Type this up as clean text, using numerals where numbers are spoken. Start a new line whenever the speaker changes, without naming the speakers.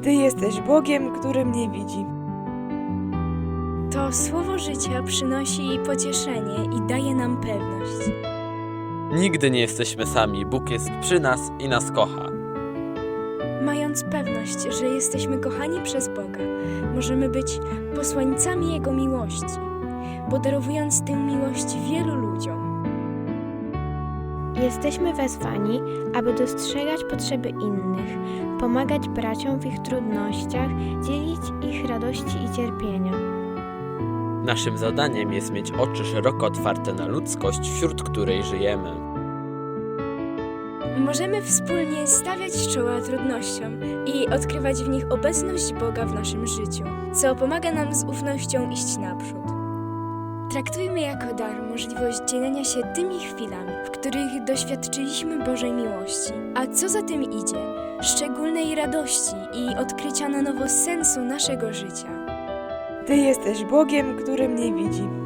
Ty jesteś Bogiem, który mnie widzi.
To słowo życia przynosi pocieszenie i daje nam pewność.
Nigdy nie jesteśmy sami, Bóg jest przy nas i nas kocha.
Mając pewność, że jesteśmy kochani przez Boga, możemy być posłańcami Jego miłości, podarowując tę miłość wielu ludziom.
Jesteśmy wezwani, aby dostrzegać potrzeby innych, pomagać braciom w ich trudnościach, dzielić ich radości i cierpienia.
Naszym zadaniem jest mieć oczy szeroko otwarte na ludzkość, wśród której żyjemy.
Możemy wspólnie stawiać czoła trudnościom i odkrywać w nich obecność Boga w naszym życiu, co pomaga nam z ufnością iść naprzód. Traktujmy jako dar możliwość dzielenia się tymi chwilami, w których doświadczyliśmy Bożej miłości, a co za tym idzie, szczególnej radości i odkrycia na nowo sensu naszego życia.
Ty jesteś Bogiem, który mnie widzi.